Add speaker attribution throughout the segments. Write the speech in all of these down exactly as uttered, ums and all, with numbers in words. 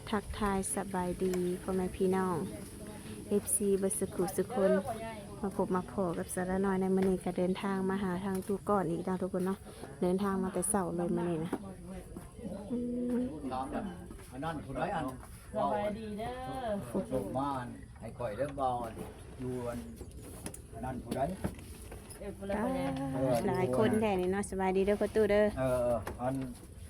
Speaker 1: ทักทายสบายดีพ่อแม่พี่น้อง เอฟ ซี เบิดสุขุสุคนมาพบมาพอกับสาระน้อยในมื้อนี้ก็เดินทางมาหาทางตู้ก่อนอีกนะทุกคนเนาะเดินทางมาแต่เช้าเลยมื้อนี้นะอืม
Speaker 2: ถามแบบอันนั้นผู้ใดอัน
Speaker 3: สบายดีเด้อ
Speaker 2: ส่งมาอันให้ข่อยเด้อบ่อันอยู่อันอันนั้นผู้ใด
Speaker 3: เอฟเลย
Speaker 1: อ่า
Speaker 3: พ่อใหญ่
Speaker 1: หลายคนแท้นี่เนาะสบายดีเด้อพ่อตู้เด้อ
Speaker 2: เอออัน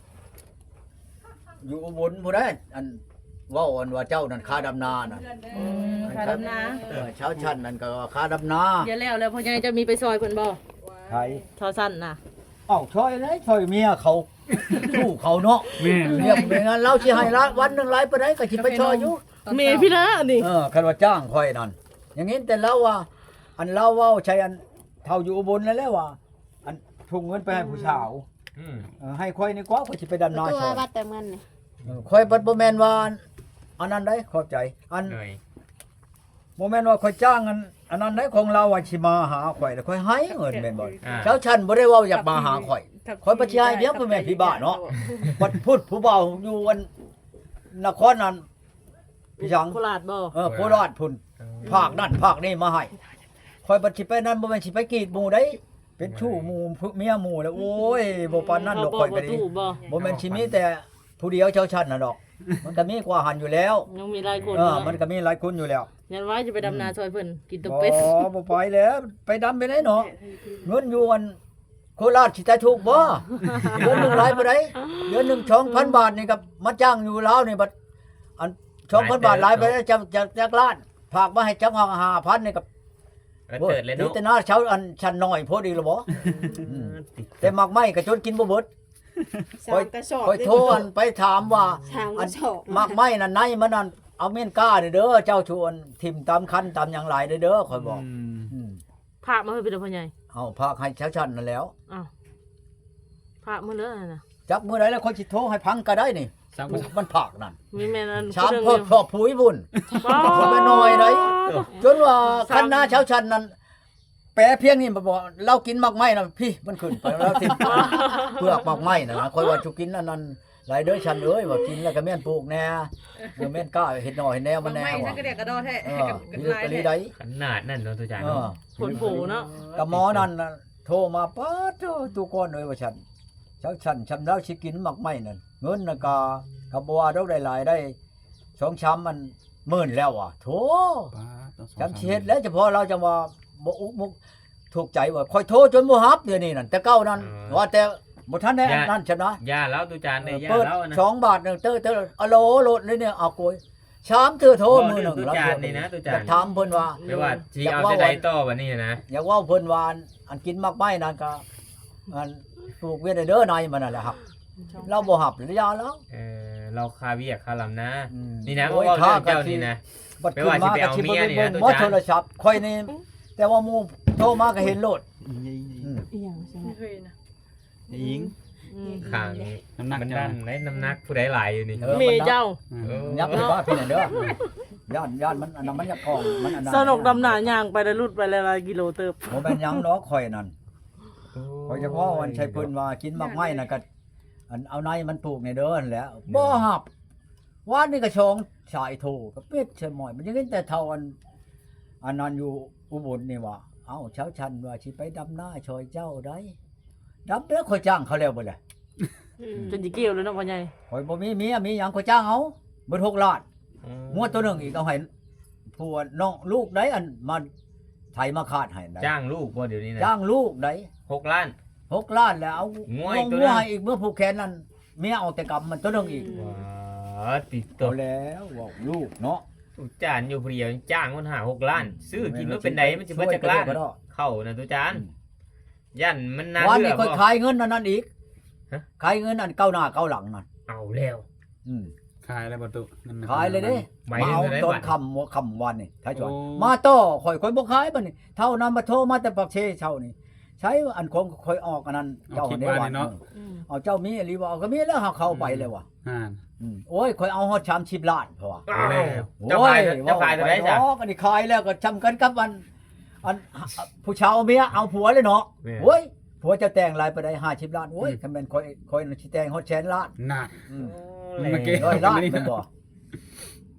Speaker 2: อยู่อุบลผู้ใดอันเว้าอันว่าเจ้านั่นค่าดำนาน่ะ
Speaker 3: อืมขาดำนา
Speaker 2: เออชาวชั้นนั่นก็ค่าดำนา
Speaker 3: เดี๋ยวแล้วแล้วพ่อใหญ่จะมีไปซอยเพิ่นบ่
Speaker 2: ไทย
Speaker 3: ทอสั้นน่ะ
Speaker 2: เอ้าช่วยเลยช่วยเมียเขาสู้เขาเนาะ
Speaker 4: แม่น
Speaker 2: เมียเป็นงั้นเราสิให้ละวันหนึงหลายปานใดก็สิไปช่วยอยู่
Speaker 3: เมพี่ละนี่
Speaker 2: เออคันว่าจ้างค่อยนั่นอย่างงี้แต่เราว่า อันเราเว้าใช้อันเท่าอยู่อุบลนั่นแหละว่า อันทุ่งเงินไปให้ผู้สาว
Speaker 4: อืม
Speaker 2: เออให้ค่อยนี่กว่าก็สิไปดำนา
Speaker 1: ตัว
Speaker 2: ช่วย
Speaker 1: วัดแต่เงินนี่
Speaker 2: เออค่อยบ่บ่แม่นว่าอันนั้นได้เข้าใจ อัน
Speaker 4: หน่อย
Speaker 2: บ่แม่นว่าค่อยจ้างอันอันนั้นได้ของเราว่าสิมาหาข่อยแล้วค่อยให้เงินแม่นบ่
Speaker 4: อ่า
Speaker 2: เจ้าฉันบ่ได้เว้าอยากมาหาข่อยข่อยบ่สิให้เพียงเพิ่นแม่นพี่บ้านเนาะบัดพูดผู้เบาอยู่อันนครนั้นพี่ชัง
Speaker 3: โคราชบ่
Speaker 2: เออโคราชพุ่น ภาคนั่นภาคนี้มาให้คอยบัดสิไปนั่นบ่แม่นสิไปกรีดหมู่ได้เป็นชู้หมู่เมียหมู่แล้วโอ้ยบ่ปานนั้นดอกข่อยก็ดี
Speaker 3: ตู้บ่
Speaker 2: บ่แม่นสิมีแต่ผู้เดียวเจ้าชั้นน่ะดอก มันก็มีกว่าหันอยู่แล้ว
Speaker 3: ยังมีหลายคน
Speaker 2: เออ
Speaker 3: เนาะ
Speaker 2: มันก็มีหลายคนอยู่แล้ว
Speaker 3: ยันไว้จะไปดำนาซอยเพิ่นกินตะ
Speaker 2: บ่
Speaker 3: เป็ด
Speaker 2: บ่ไปแล้วไปดำไปไหนเนาะเงินอยู่อันโคราชสิตาถูกบ่เดือนหนึงหลายปานใดเดือนหนึง สองพัน บาทนี่ก็มาจ้างอยู่ลาวนี่บัดอัน สองพัน บาทหลายไปแล้วจักจักจักล้านฝากมาให้จักห้าพันนี่ก็
Speaker 4: แล้วเกิดเลย
Speaker 2: นี่
Speaker 4: เนาะ
Speaker 2: แต่หน้าเช้าอันชันน้อยพอดีละบ่ อืม แต่มักไหม้ก็จนกินบ่เบิด
Speaker 1: สามกระสอบ
Speaker 2: คอยโทรอันไปถามว่า
Speaker 1: สามก
Speaker 2: อั
Speaker 1: ระ
Speaker 2: น
Speaker 1: สอบ
Speaker 2: มักไหม้นั่นในมันนั่นเอาเม่นก้าเด้อเด้อเจ้าชวนทิ่มตามคันตามหยังหลายเด้อเด้อคอยบอก
Speaker 4: อืม
Speaker 2: อืม
Speaker 3: พระมาให้เป็นพ่อใหญ่
Speaker 2: เอาพากให้เช้าชันนั่นแล้ว
Speaker 3: อ้าวพระมื้อเลยน่ะ
Speaker 2: จักมื้อใดแล้วคอยสิโทรให้พังก็ได้นี่
Speaker 4: สร้าง
Speaker 2: มันผากนั่น
Speaker 3: มีแม่นั้น
Speaker 2: ชามพอดพอปุ๋ยบุญ
Speaker 3: บ่
Speaker 2: คนไปหน่อยได้จนว่าคันหน้าเช้าชันนั่นแปรเพียงนี่บ่บอกเรากินมักไหม้น่ะพี่มันขึ้นไปแล้วทิ่ม เปลือกมักไหม้น่ะนะคอยว่าจุกินอันนั้นหลายเด้อฉันเอ้ยว่ากินแล้วก็แม่นปลูกแน่เออแม่นกล้าเฮ็ดหน่อยเฮ็ดแนวมันแน่
Speaker 5: ไม่
Speaker 2: ว่ะ
Speaker 5: ฉันก็เด็กกระโดดแท้
Speaker 2: เอ
Speaker 5: ให้
Speaker 2: อ
Speaker 5: กับกัน
Speaker 2: มี
Speaker 5: ลาย
Speaker 2: กะลี
Speaker 5: แท้
Speaker 2: ได้
Speaker 4: ขนาดนั่นเนาะตัวจาน
Speaker 2: เอ
Speaker 4: เนาะ
Speaker 2: อ
Speaker 3: ผลผูเนาะ
Speaker 2: กับหมอนั่นน่ะโทรมาป๊าดโธ่ตุก่อนเอ้ยว่าฉันเช้าฉันฉันแล้วสิกินมักไหม้นั่นเงินน่ะก็ก็บ่ว่าดอกได้หลายได้สองช้ำมันหมื่นแล้วว่ะโธ่จำสิเฮ็ดแล้วเฉพาะเราจังว่าบ่อุกมุกถูกใจว่าคอยโทรจนบ่รับเดี๋ยวนี้นั่นแต่เก่านั้นว่าแต่บ่ทันได้นั่นฉันนะ
Speaker 4: ย่าแล้วตัวจานเนี่ยย่า
Speaker 2: เปิด
Speaker 4: แล้วนะ
Speaker 2: สองบาทหนึ่งเตอร์เตอร์อะโหลโหลดเลยเนี่ยเอาโกยชามเธอโทรมือหนึ่ง
Speaker 4: ตัว
Speaker 2: รับ
Speaker 4: จาน
Speaker 2: เดียว
Speaker 4: นี่นะตัวจา
Speaker 2: อยาน กถามเพิ่นว่า
Speaker 4: ไม่ว่าจีเอาจะได้ต่อวันนี้นะ
Speaker 2: อยากว่าเพิ่นว่าอันกินมากไม้นั่นก็อันปลูกเวียนเด้อนายมันนั่นแหละครับ เราบ่หับหรือยาแล้ว
Speaker 4: เออเราคาเวียกคาลำนะ
Speaker 2: อืม
Speaker 4: นี่นะ
Speaker 2: โอ้
Speaker 4: ก็
Speaker 2: ย
Speaker 4: ว่าเรื่อง
Speaker 2: ค่า
Speaker 4: เจ้า
Speaker 2: ก็สิ
Speaker 4: นี่นะ
Speaker 2: บัด
Speaker 4: ไม่
Speaker 2: ขึ้น
Speaker 4: ว่าสิ
Speaker 2: มา
Speaker 4: ไป
Speaker 2: ก็
Speaker 4: เอา
Speaker 2: สิ
Speaker 4: เมี
Speaker 2: บ่
Speaker 4: ย
Speaker 2: ได้
Speaker 4: นี่
Speaker 2: เบิ่
Speaker 4: นะ
Speaker 2: ง
Speaker 4: ตัว
Speaker 2: บ่
Speaker 4: จาน
Speaker 2: โทรศัพท์ค่อยนี่แต่ว่าหมู่โทรมาก็เห็นโลดอืม
Speaker 1: อีหยังใช่ไหม
Speaker 5: ไม่เคยนะ
Speaker 4: ยิง
Speaker 3: อืม
Speaker 4: ข้างน้ำหนักมันดันได้น้ำหนักผู้ใดหลายอยู่นี่
Speaker 2: เออ
Speaker 3: เมเจ้า
Speaker 4: เออ
Speaker 2: ยับไปว่าพี่น่ะเด้อย่านย่านมันอันนั้นมันอยากของมันอันนั้น
Speaker 3: สนุกดำนาย่างไปแล้วลุดไปหลายๆกิโลเติบ
Speaker 2: บ่แม่นหยังดอกข่อยนั่น ข่อยเฉพาะวันชัยเพิ่นว่ากินมากไม้น่ะก็อันเอาในมันปลูกในเด้อนั่นแหละบ่หับวานนี่ก็ชองชายโทก็เป็ดเชยหมอยมันยังเห็นแต่เท่าอันอันนั้นอยู่อุบลนี่ว่าเอ้าเช้าชันว่าสิไปดำนาช่วยเจ้าได้ดำแล้วข่อยจ้างเขาแล้วบ่ล่ะ
Speaker 3: จนสิเกี่ยวเลยเนาะพ่อใหญ่
Speaker 2: ข่อยบ่มีเมียมีหยังข่อยจ้างเอาเบิดหกล้านงวดตัวหนึงอีกเอาให้ผัวน้องลูกได้อันมาไถมาคาดให้ได้
Speaker 4: จ้างลูกบ่เดี๋ยวนี้นะ
Speaker 2: จ้างลูกได้
Speaker 4: หกล้าน
Speaker 2: หกล้านแล้วเอา
Speaker 4: งัว
Speaker 2: ง
Speaker 4: อีกตัว
Speaker 2: งัว
Speaker 4: หนึ่ง
Speaker 2: ให้อีกเมื่อผูกแขนนั่นเมียเอาแต่กรรมมันตัวหนึงอีก
Speaker 4: ว้าติดตั
Speaker 2: ตัว วแล้วว่าลูกเนาะ
Speaker 4: ตัวจานอยู่ผู้เดียวจ้างคนหาหกล้าน ซื้อกินว่าเป็นไดมันจะเบิดจักล้าน
Speaker 2: ช่วยก็ได้
Speaker 4: เข้านะตัวจานยันมันน่า
Speaker 2: วัน
Speaker 4: เชื่
Speaker 2: นี้
Speaker 4: อ
Speaker 2: ค่อย
Speaker 4: บ่
Speaker 2: ขายเงินอันนั้นอีก
Speaker 4: ฮะ
Speaker 2: ขายเงินอันเก้าหน้าเก้าหลังนั่น
Speaker 4: เอาแล้ว
Speaker 2: อืม
Speaker 4: ขายแล้วประตูนั่นน่ะ
Speaker 2: ขายเลยเด้
Speaker 4: หมาย
Speaker 2: มา
Speaker 4: ถึง
Speaker 2: เอา
Speaker 4: อะไร
Speaker 2: ตอน
Speaker 4: บัด
Speaker 2: ค่ำหัวค่ำวันนี่ถ้าจวน
Speaker 4: โอ้
Speaker 2: มาต่อข่อยข่อยบ่ขายบัดนี้เท่านั้นมาโทรมาแต่ปักเชเช่านี่ใช้อันของข่อยออกอันนั้นเจ้าในวันเนาะเอาเจ้ามีอีหลีบ่เอาก็มีแล้วเฮาเข้าไปเลยว่ะ
Speaker 4: อ่า
Speaker 2: อืมโอ้ยข่อยเอาฮอดสามสิบล้านเพราะว่า
Speaker 4: เอาแล้วเจ้าขายเจ้าขายตัวไหนจ้ะ
Speaker 2: โอ้ยอันนี้ขายแล้วก็จำกันกับอันอันผู้ชาวเมียเอาผัวเลยเนาะ
Speaker 4: แม่
Speaker 2: โอ้ยผัวจะแต่งหลายไปได้ห้าสิบล้านโอ้ยคันแม่นคอยคอยสิแต่งฮอดแสนล้าน
Speaker 4: น่ะ
Speaker 2: อืม
Speaker 4: โอ้
Speaker 2: ร้อยล้านแม่นบ่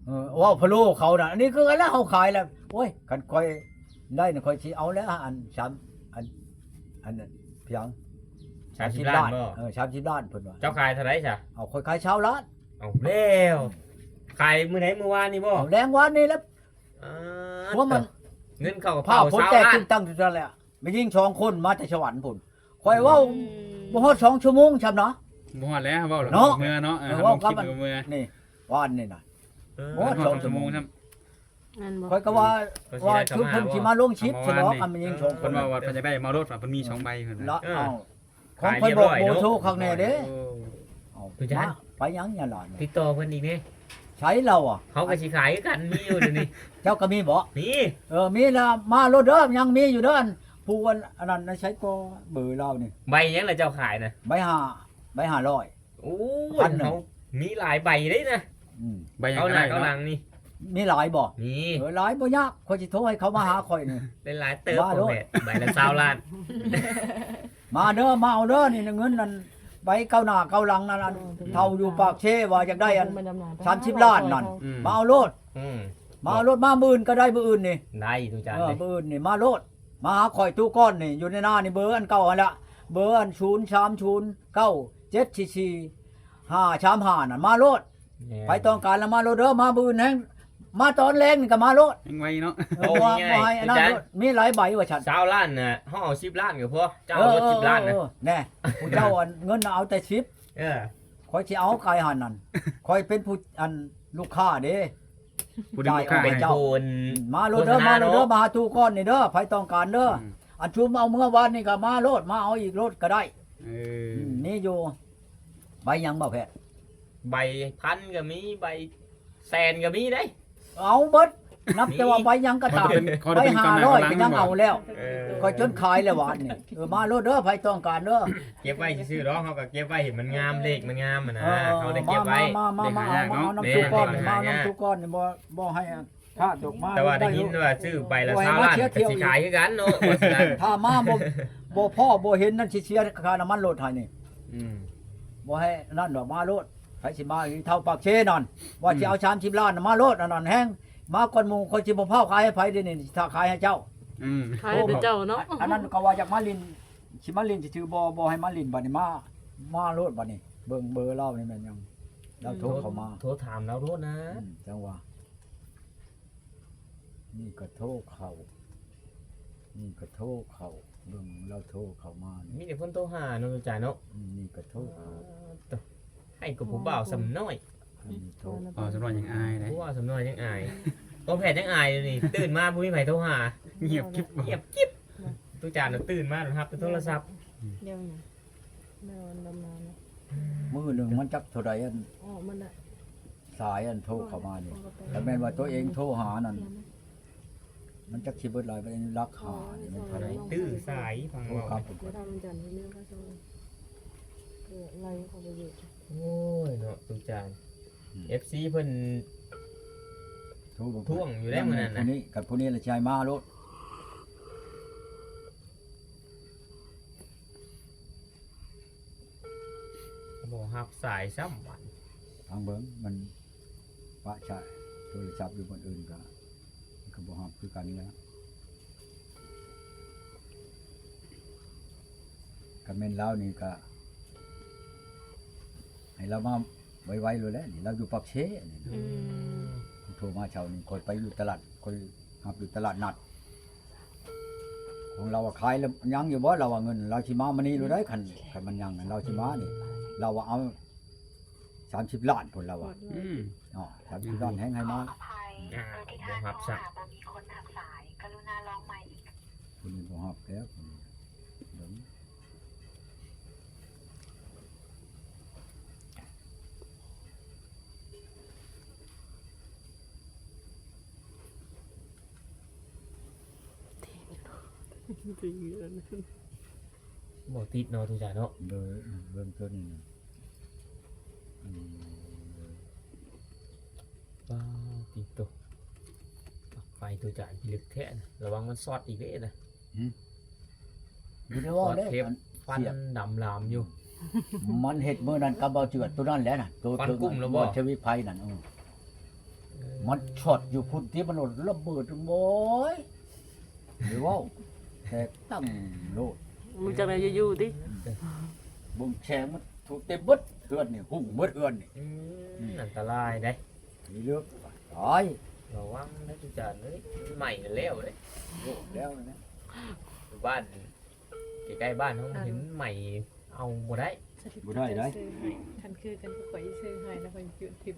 Speaker 2: เออว่าพะโล้เขาน่ะอันนี้คือกันแล้วเฮาขายแล้วโอ้ยคันค่อยได้น่ะค่อยสิเอาแล้วอันสามอันอันนั้นเพียง
Speaker 4: สามสิบล้านบ่
Speaker 2: เออสามสิบล้านเพิ่นว่า
Speaker 4: เจ้าขายเท่าไหร่จ้ะ
Speaker 2: เอาค่อยขายเช้าล้าน
Speaker 4: เอาแล้วขายมื้อไหนมื้อวานนี่บ่
Speaker 2: เอาแรงวันนี้แล้ว
Speaker 4: อ่า
Speaker 2: เพราะมัน
Speaker 4: เงินเข้ากระ
Speaker 2: ผ้า
Speaker 4: เป๋า
Speaker 2: พ้น
Speaker 4: สาว
Speaker 2: แตก
Speaker 4: ล้า
Speaker 2: ตึ
Speaker 4: น
Speaker 2: งตั้งอยู่นั่นแหละไม่ยิงสองคนมาแต่สวรรค์พุ่นข่อยเว้าบ่ฮอดสองชั่วโมงชำเนาะ
Speaker 5: บ่ฮอดแล้วเว้าแล้ว
Speaker 2: เนาะ
Speaker 5: เมื่อเนาะเออ
Speaker 2: เออ
Speaker 5: ลงคลิป
Speaker 2: เว้ากับ
Speaker 5: เมื่อ
Speaker 2: นี่ว่านนี่น่ะ
Speaker 4: เออ
Speaker 2: โอ้
Speaker 5: บ่ฮอดชั่วโมงครับ
Speaker 1: นั่นบ่
Speaker 2: ข่อยก็ว่า
Speaker 4: เพิ่นสิ
Speaker 2: ว่า
Speaker 4: ได้เข้า
Speaker 2: ชุด
Speaker 4: มา
Speaker 2: เพิ่นสิมาลงชิป
Speaker 5: เอา
Speaker 2: ใช่
Speaker 5: มา
Speaker 2: เนาะ
Speaker 5: นี่
Speaker 2: อันมันยิงสองค
Speaker 5: เพิ่
Speaker 2: น
Speaker 5: นว่าว่าเพิ่นจะได้เมารถว่าเพิ่นมีสองใบเพิ่น
Speaker 2: ละ
Speaker 5: น่ะ
Speaker 2: เอาของ
Speaker 4: ขาย
Speaker 2: เพิ่น
Speaker 4: เรีย
Speaker 2: บบ อ
Speaker 4: ร้
Speaker 2: ก
Speaker 4: อย
Speaker 2: โบ
Speaker 4: เนาะ
Speaker 2: โทรข้างในเด้
Speaker 4: โอ้
Speaker 2: เอา
Speaker 4: ทุกอย่าง
Speaker 2: มาไปยังอย่าหลาน
Speaker 4: ติดต่อเพิ่นอีกแม่
Speaker 2: ใช้เราอ่ะ
Speaker 4: เขาก็สิขายคือกันมีอยู่เดี๋ยวนี้
Speaker 2: เจ้าก็มีบ่
Speaker 4: มี
Speaker 2: เออมีละมารถเด้อยังมีอยู่เด้ออันผู้อันอันนั้นน่ะใช้ก็เบอร์เรานี่
Speaker 4: ใบยังล่ะเจ้าขายน่ะ
Speaker 2: ใบห้าใบห้าร้อย
Speaker 4: โอ้
Speaker 2: พั
Speaker 4: ย
Speaker 2: นหนึ่ง
Speaker 4: เขามีหลายใบเด้นะ
Speaker 2: อืม
Speaker 5: ใบยัง
Speaker 4: เขา
Speaker 5: ก็
Speaker 4: หน้า
Speaker 5: ได้
Speaker 4: เขาหลั
Speaker 5: เนาะ
Speaker 4: งนี่
Speaker 2: มีหลายบ่
Speaker 4: มี
Speaker 2: เออหลายบ่ยากข่อยสิโทรให้เขามาหาข่อยนี่
Speaker 4: ได้หลายเติบ
Speaker 2: ว่าโลด
Speaker 4: แม่ใบละ20ล้าน
Speaker 2: มาเด้อมาเอาเด้อนี่เงินนั่นใบเก้าหน้าเก้าหลังนั่นอันเท่าอยู่ปากเชว่าอยากได้อันสามสิบล้านนั่น
Speaker 5: อืม
Speaker 2: มาเอาโลด
Speaker 4: อืม
Speaker 2: มาเอาโลดมาหมื่นก็ได้มื้ออื่นนี่
Speaker 4: ได้ทุกจาน
Speaker 2: เออ
Speaker 4: เลย
Speaker 2: มื้ออื่นนี่มาโลดมาหาข่อยตู้ก้อนนี่อยู่ในหน้านี่เบอร์อันเก่าอันละเบอร์อันศูนย์ สาม ศูนย์ เก้า เจ็ด สี่ สี่ ห้า สาม ห้านั่นมาโลดไปต้องการแล้วมาโลดเด้อมามื้ออื่นแฮงมาตอนแรงนี่ก็มาโลด
Speaker 5: ยังไวเนาะ
Speaker 2: เออว่าบ่ให้อันนั้นโลดมีหลายใบว่าฉัน
Speaker 4: สาวล้านน่ะเขาเอาสิบล้านก็พอเจ้าเอารถสิบล้านนะ
Speaker 2: เออแน่ผู้เจ้าอันเงินน่ะเอาแต่สิบ
Speaker 4: เออ
Speaker 2: คอยสิเอากายหันนั่นคอยเป็นผู้อันลูกค้าเด้
Speaker 5: ผู้ดึงลูกค้า
Speaker 2: ได้
Speaker 4: เป็น
Speaker 5: ให้
Speaker 2: เจ้า
Speaker 4: คน
Speaker 2: มาโลดเด้อ
Speaker 4: โฆษณา
Speaker 2: มาโลดเด้อ
Speaker 4: เนาะ
Speaker 2: มาหาตู้ก้อนนี่เด้อไผต้องการเด้อ
Speaker 5: อืม
Speaker 2: อันชุมเอาเมื่อวานนี่ก็มาโลดมาเอาอีกโลดก็ได้
Speaker 5: เออ
Speaker 2: มนี่อยู่ใบหยังบ่แพทย์
Speaker 4: ใบพันก็มีใบแสนก็มีได้
Speaker 2: เอาเบิดนับแต่ว่าใบหยังก็
Speaker 5: เขา
Speaker 2: ตาม
Speaker 5: จะเป็นเขา
Speaker 2: ใบ
Speaker 5: จะเป็น
Speaker 2: ห้าก
Speaker 5: ำลัง
Speaker 2: ร้อย
Speaker 5: กำลั
Speaker 2: ก็
Speaker 5: ง
Speaker 2: ยังเอาแล้ว
Speaker 4: เออ
Speaker 2: คอยจนขายแล้ววานนี่เออมาโลดเด้อไผต้องการเด้อ
Speaker 4: เก็บไว้ซื่อๆเนาะเขาก็เก็บไว้เห็นมันงามเลขมันงามอ่ะนะ
Speaker 2: เออ
Speaker 4: เขาได้เก็บไว้
Speaker 2: มามามามาเอามาเอาน้ำตู้ก้อนนี่มาเอาน้ำตู้ก้อนนี่บ่บ่ให้พลาดดอกมา
Speaker 4: แต่ว่าได้ยินว่าซื้อใบละสามล้านก็สิขายคือกันเนาะว่าสิได้
Speaker 2: ถ้ามาบ่บ่พ่อบ่เห็นนั่นสิเสียค่าน้ำมันรถให้นี่
Speaker 5: อืม
Speaker 2: บ่ให้นั่นดอกมาโลดไผสิมาอีเท่าปากเชนั่นว่าสิเอาสามสิบล้านน่ะมาโลดอันนั้นแฮงมาก่อนหมู่คนสิบ่เผาขายให้ไผเด้นี่ถ้าขายให้เจ้า
Speaker 5: อืม
Speaker 3: ขายให้เจ้าเนาะ
Speaker 2: อันนั้นก็ว่าอยากมาลินสิมาลินสิถือบ่บ่ให้มาลินบัดนี้มามาโลดบัดนี้เบิ่งเบอร์เรานี่แม่นยังเราโทรเข้ามา
Speaker 4: โทรถามแล้วโทษนะ
Speaker 2: อืมจังหวะนี่ก็โทรเข้านี่ก็โทรเข้าเบิ่งเราโทรเข้ามานี่
Speaker 4: มีแต่คนโทรหาเนาะทุกจานเนาะ
Speaker 2: อืมนี่ก็โทรเข้า
Speaker 4: ให้กับผู้บ่าวสำน้อย
Speaker 2: อันนี้โทร
Speaker 5: อ๋อสำรวจยังอายเลย
Speaker 4: ผู้บ่าวสำน้อยยังอายตัวแผดยังอายเลยนี่ตื่นมาผู้มีไผโทรหา
Speaker 5: เงียบกิ๊บ
Speaker 4: เงียบกิ๊บทุกจานน่ะตื่นมาแล้วครับเป็นโทรศัพท์
Speaker 1: เดี๋ยวนะเดี๋ยวดำน้ำนะ
Speaker 2: มือหนึ่งมันจักเท่าไรอัน
Speaker 1: อ๋อมันอ่ะ
Speaker 2: สายอันโทรเข้ามานี่แต่แม่นว่าตัวเองโทรหานั่นมันจักสิเบิดหลายไปรักหานี่มันเท่าไร
Speaker 4: ตื้อสายฟัง
Speaker 2: โทร
Speaker 4: เว่า
Speaker 2: ครับ
Speaker 1: เดี๋ยวทำจันทร์ที่นี่ก็จะเกิดอะไรเขาไปอยู่
Speaker 4: โอ้ยเนาะทุกจาน เอฟ ซี เพิ่น
Speaker 2: โทรบ่
Speaker 4: ท่วงอยู่แล้วมื้อนั้นน่ะ
Speaker 2: ผู้นี้กับผู้นี้ละชายมาโลด
Speaker 4: บ่ฮับสายซ้ำวัน
Speaker 2: ทางเบิ่งมันปะชายโทรศัพท์อยู่บนอื่นก็มันก็บ่ฮับคือกันแล้วก็แม่นแล้วนี่ก็ให้เรามาไวๆเลยแหละนี่เราอยู่ปักเชนี่นะ
Speaker 1: อืม
Speaker 2: โทรมาเช้านี้คอยไปอยู่ตลาดคอยหับอยู่ตลาดนัดของเราอะขายแล้วยังอยู่บ่เราว่าเงิน เราชิมามันนี่รู้ได้คันคันมันยังอะเราชิมานี่ เราว่าเอาสามสิบล้านผลเราว่า
Speaker 5: อืม
Speaker 2: อ๋อสามสิบล้านแห้งให้มา
Speaker 4: อ่าบ่ฮับซ้ำ
Speaker 6: บ่มีคนทักสาย กรุณาลองใหม่อีก
Speaker 2: คุณบ่ฮับแล้วคุณเดี๋ยว
Speaker 4: บ่ติดเนาะทุกจานเนาะ
Speaker 2: เบอร์เบิ่งตัวนี้นะอืม
Speaker 4: ว้าวติดตัวปลั๊กไฟทุกจานพิลึกแท้นะระวังมันซอดอีกเด้นะ
Speaker 2: อยู่ในว่าเด้
Speaker 4: เทป
Speaker 2: มัน
Speaker 4: ฟันดำลามอยู่
Speaker 2: มันเฮ็ดมื้อนั้นกับเบาเจือดตัวนั้นแหละน่ะตัว
Speaker 4: ฟัน
Speaker 2: ถึง
Speaker 4: กุ้มแล้วบ่
Speaker 2: ชวิตไผนั่นเออมันช็อตอยู่พุ่นที่มันระเบิดโอยหรือว่าแตกตั้งโลด
Speaker 3: มึงจังได๋อยู่ๆติ
Speaker 2: บ่งแชงมันถูกเต็มเบิดเอื้อนนี่หุ่งเบิดเอื้อนนี่
Speaker 4: อืมอันตรายเด้
Speaker 2: มีเลือกตาย
Speaker 4: ระวังนะตุจานเอ้ยใหม่น่ะแล้วเด้
Speaker 2: โลดแล้วนะ
Speaker 4: บ้านใกล้ๆบ้านเขาเห็นใหม่เอาบ่ได้
Speaker 2: บ่ได้ได้
Speaker 7: คันคือกันก็ข่อยซื้อให้แล้วข่อยจุดทิพย์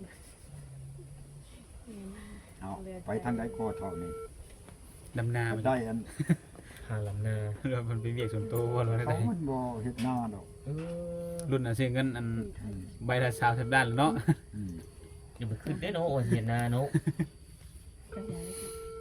Speaker 2: เอาไปทางใดก็เท่านี้
Speaker 5: ดำนามัน
Speaker 2: ได้อัน
Speaker 4: หาลำนา
Speaker 5: เรามันไปเวียกส่วนตัวว่าเราได้
Speaker 2: เขามันบ่เฮ็ดหน้าดอก
Speaker 4: เออ
Speaker 5: รุ่นน่ะซื้อเงินอัน
Speaker 2: อืม
Speaker 5: ใบละสามสิบด้านแล้วเนาะ
Speaker 2: อืม
Speaker 4: อย่าไปขึ้นได้เนาะโอ้ยเห็นนาเนาะ
Speaker 7: ก็ย้ายไป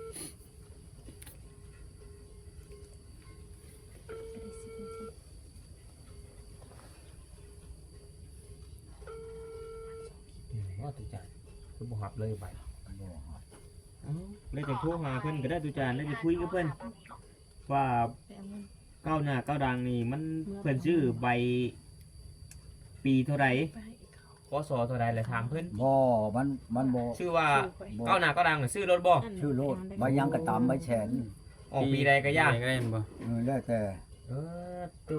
Speaker 4: ว่าตุจานคือบ่หับเลยไป
Speaker 2: บ่ฮอด
Speaker 8: เลยจะโทรหาเพิ่นก็ได้ตุจานเลยจะคุยกับเพิ่นว่า
Speaker 7: ไปเอาเงิน
Speaker 8: ก้าวหน้าก้าวดังนี่มันเพิ่นชื่อใบปีเท่าไหร่
Speaker 7: ไปให้เขา
Speaker 4: ขอสอเท่าใดเลยถามเพิ่น
Speaker 2: บ่มันมันบ่
Speaker 8: ชื่อว่า
Speaker 2: บ่
Speaker 8: ก้าวหน้าก้าวดังน่ะซื้อรถบ่
Speaker 2: ชื่อโลดใบยังก็ตามใบแฉน
Speaker 8: ออกปีใดก็ยาก
Speaker 5: ปีใดก็ได้บ่
Speaker 2: เออแล้วแต่
Speaker 4: เออตัว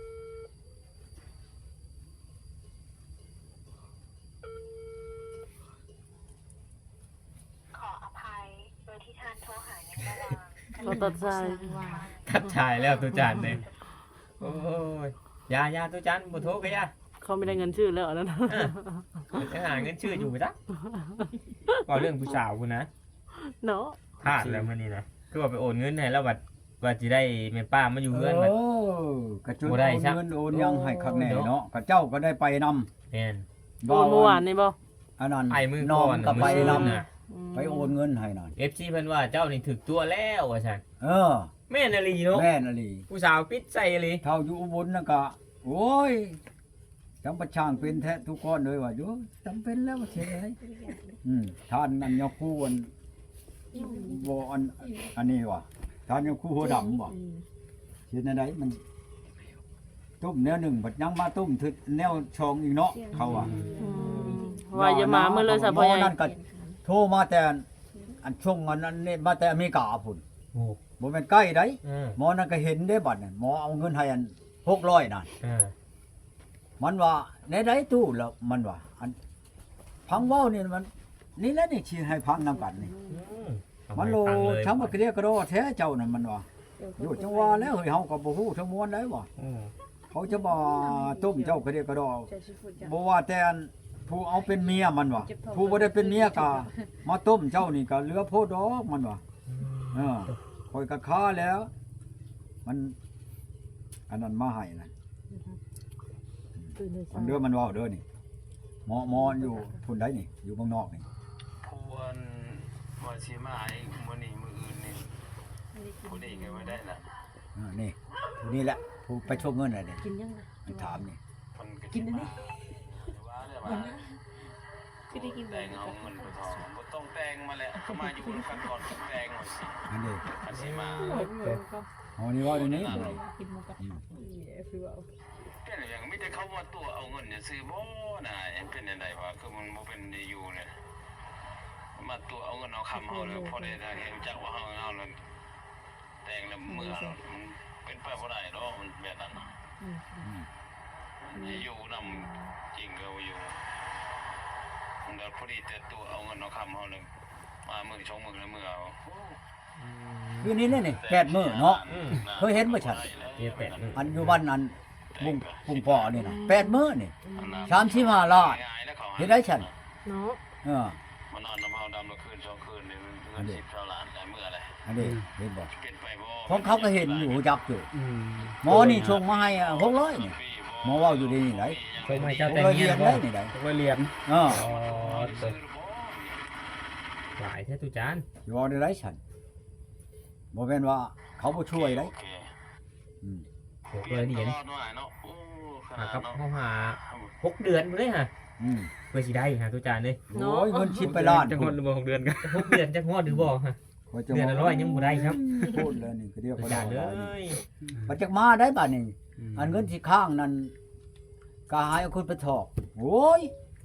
Speaker 6: ขออภัยโดยที่ท่านโทรหาในระหว่าง
Speaker 3: เขาตัดใจ
Speaker 7: ว่า
Speaker 8: ทัดชายแล้วตุจานเลยโอ้ยยายาตุจานบ่โทรก็ยา
Speaker 3: เขาไม่ได้เงินชื่อแล้วอันนั้น
Speaker 8: จะหาเงินชื่ออยู่จ้ะก็เรื่องผู้สาวคุณนะ
Speaker 3: เนาะ
Speaker 8: พลาดแล้วมื้อนี้นะคือว่าไปโอนเงินให้แล้วบัดว่าสิได้แม่ป้ามาอยู่เฮือนบัด
Speaker 2: เออกระจุด
Speaker 8: บ่
Speaker 2: โอ
Speaker 8: ได้
Speaker 2: น
Speaker 8: ซะ
Speaker 2: เงินโอนยังให้คักแน่เนาะกระเจ้าก็ได้ไปนำ
Speaker 8: แม่น
Speaker 3: โอนเมื่อวานนี่บ่
Speaker 2: อันนั้น
Speaker 8: ไอ้มือ
Speaker 2: น้
Speaker 8: ก่
Speaker 2: อง
Speaker 8: อน
Speaker 2: ก็ไป
Speaker 8: มื้อ
Speaker 2: นำ
Speaker 8: นน่ะ
Speaker 2: ไปโอนเงินให้นั่น
Speaker 8: เอฟซีเพิ่นว่าเจ้านี่ถึกตัวแล้วว่าซั่น
Speaker 2: เออ
Speaker 8: แม่นอลีเนาะ
Speaker 2: แม่นอลี
Speaker 8: ผู้สาวปิดใส่อลี
Speaker 2: เท่าอยู่อุบลน่ะก็โอ้ยจำประช่างเป็นแท้ทุกคนเลยว่าอยู่จำเป็นแล้วว่าเสียไดอืมท่านอันยกคู่อันบ่อันอันนี้ว่ะท่านยกคู่หัวดำว่ะเฮ็ดจังไดมันต้มแนวหนึ่งบัดยังมาต้มถึกแนวชองอีกเนาะเขาว่า
Speaker 3: อืมว่าอย่ามาเมื่อเลยซะพ่อใหญ่
Speaker 2: นั่นก็โทรมาแต่อันช่วงอันนั้นนี่มาแต่อเมริกาพุ่น
Speaker 8: โอ้
Speaker 2: บ่แม่นใกล้ได
Speaker 8: เออ
Speaker 2: หมอนั่นก็เห็นได้บัดนั่นหมอเอาเงินให้อันหกร้อยนั่น
Speaker 8: เออ
Speaker 2: มันว่าในใดตู้แล้วมันว่าอันพังเว้านี่มัน นี่แหละนี่สิให้พังนํกันนี่
Speaker 8: อืมเอา
Speaker 2: มัน
Speaker 8: ให้
Speaker 2: โล
Speaker 8: ฟังเลย
Speaker 2: ทั้งบ่เกลียกระโดดแท้เจ้านั่นมันว่าอยู่จังว่าแล้วเฮ้ยเฮาก็บ่ฮู้ทั้งมวลได้บ่
Speaker 8: อืม
Speaker 2: เขาจะบ่ต้มเจ้ากระเดียกระโดด
Speaker 7: จะสิพูดจัง
Speaker 2: บ่ว่าแต่อันผู้เอาเป็นเมียมันว่าผู้บ่ได้เป็นเมียก็มาต้มเจ้านี่ก็เหลือโพดดอกมันว่า เออคอยกะค้าแล้ว มัน อันนั้นมาให้นะ
Speaker 3: ตื่นเลย
Speaker 2: มันเด้อมันเว้าเด้อนี่หมอหมออยู่พุ่นใดนี่ อยู่เมืองนอกนี่
Speaker 9: ผู้อันว่าสิมาอีกมื้อนี้มื้ออื่นนี่ผู้นี้ก็บ่ได้ล่ะ
Speaker 2: เออนี่ผู้นี้แหละผู้ไปชกเงินน่ะนี่
Speaker 7: กินยังล่ะ
Speaker 2: มันถามนี่
Speaker 9: เพิ่นก็สิมาว่าแล้วว่า
Speaker 7: คือได้กิน
Speaker 9: แต่งเอาเงินไปทองบ่ต้องแต่งมาแล้วเขามาอยู่ด้วยกันก่อนถึงแต่งหน่อยสิ
Speaker 2: อันนี้
Speaker 9: อันสิมา
Speaker 2: อ๋อนี่เว่าเดี๋ยวนี้
Speaker 7: กินหมูกระทะคือว่า
Speaker 9: เป็นอย่างมีแต่เขาว่าตัวเอาเงินเนี่ยซื้อบ่น่ะเป็นจังไดวะคือมันบ่เป็นได้อยู่เนี่ยมาตัวเอาเงินเอาคำเฮาเลยพอได้ได้เห็นจักว่าเฮาเอาแล้วแต่งแล้วเมื่อมันเป็นไปบ่ได้ดอกมันแบบนั้นน่ะ
Speaker 7: อืม
Speaker 9: จะอยู่นำจริงก็อยู่มันเดี๋ยวพอดีแต่ตัวเอาเงินเอาคำเขาเลยมามือชงมือเลยมือเอา
Speaker 2: คือนี้เลยนี่แปดมื้อเนาะ
Speaker 8: อืม
Speaker 2: เคยเห็นบ่ชัด
Speaker 8: เฮ็ดแปดมื้อ
Speaker 2: อันอยู่บ้านอันบุงบุงพ่อนี่นะแปดมื้อนี่สามสิบห้าล้านเฮ็ดได้ฉัน
Speaker 3: เนาะ
Speaker 2: เออ
Speaker 9: มานอนน้ำเฮาดำละคืนสองคืนนี่มันเงินสิบเท่าล้านหลายมื้ออะไร
Speaker 2: อันนี้เห็นบ่
Speaker 9: เป็นไปบ่
Speaker 2: ของเขาก็เห็นอยู่จักอยู่
Speaker 5: อืม
Speaker 2: หมอนี่ชงมาให้หกร้อยนี่หมอเว้าอยู่ดีนี่ไหน
Speaker 8: ชมให้
Speaker 2: ห
Speaker 8: เจ้าก แต่ง
Speaker 2: ร้อย
Speaker 8: เงี้
Speaker 2: เรี
Speaker 8: ย
Speaker 2: ยน
Speaker 8: บ่
Speaker 2: ได้นี่ไหน
Speaker 5: ก็เหรียญ
Speaker 2: เออ
Speaker 8: อ๋อตัวหลายแท้ตุจาน
Speaker 2: อยู่เอาได้ไรฉันบ่แม่นว่าเขาบ่ช่วยได้
Speaker 9: โอเค
Speaker 2: อืม
Speaker 8: หกเลยเหรียญ
Speaker 9: ตลอดหน่อยเนาะโอ้ข
Speaker 8: หา
Speaker 9: นาด
Speaker 8: กับ
Speaker 9: เนาะ
Speaker 8: เขาหาหกเดือนพุ่นเลยฮะ
Speaker 2: อืม
Speaker 8: เพื่อสิได้หาตุจานเลย
Speaker 2: โอ้ยเงินชิปไปล้าน
Speaker 5: จังหวัดบ่หกเดือนกัน
Speaker 8: หกเดือนจักฮอดหรือบ่ฮะ
Speaker 2: ว่าจะ
Speaker 8: เดือนละร้อยยังบ่ได้ครับ
Speaker 2: พูดเลยนี่ก็เรียก
Speaker 8: ตุ
Speaker 2: ว่า
Speaker 8: จานเล
Speaker 2: ได้
Speaker 8: ย
Speaker 2: บัดจักมาได้บัดนี้อันเงินที่ข้างนั้นก็หายเอาคนไปถอกโอ้ย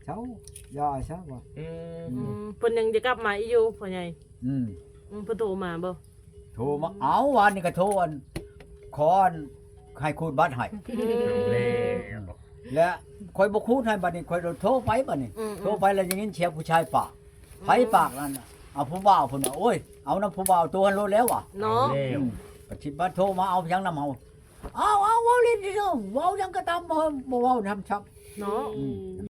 Speaker 2: เช้าย่าซะว่า
Speaker 8: อืม
Speaker 3: อืมเพิ่นยังจะกลับมาอีกอยู่พ่อใหญ่
Speaker 2: อืม
Speaker 3: อืมเพิ่นโทรมาบ่
Speaker 2: โทรมาเอาวันนี้ก็โทรอันขออันให้คูณบัตรให้
Speaker 8: เอาแล้ว
Speaker 2: และคอยบ่คูณให้บัดนี้คอยโทรไปบัดนี้
Speaker 3: อืม
Speaker 2: โทรไปแล้วอย่างนี้เชียร์ผู้ชายปากไผปากนั่นน่ะเอาผู้บ่าวพุ่นน่ะโอ้ยเอาน้ำผู้บ่าวตัวหันโลดแล้วว่ะ
Speaker 3: เนาะ
Speaker 8: เอาแล้ว
Speaker 2: ปฏิบัติโทรมาเอายังนำเฮาเอาเอาเว้าเล่นดิเนาะเว้ายังก็ตามบ่บ่เว้านำชับ
Speaker 3: เนาะ
Speaker 2: อืม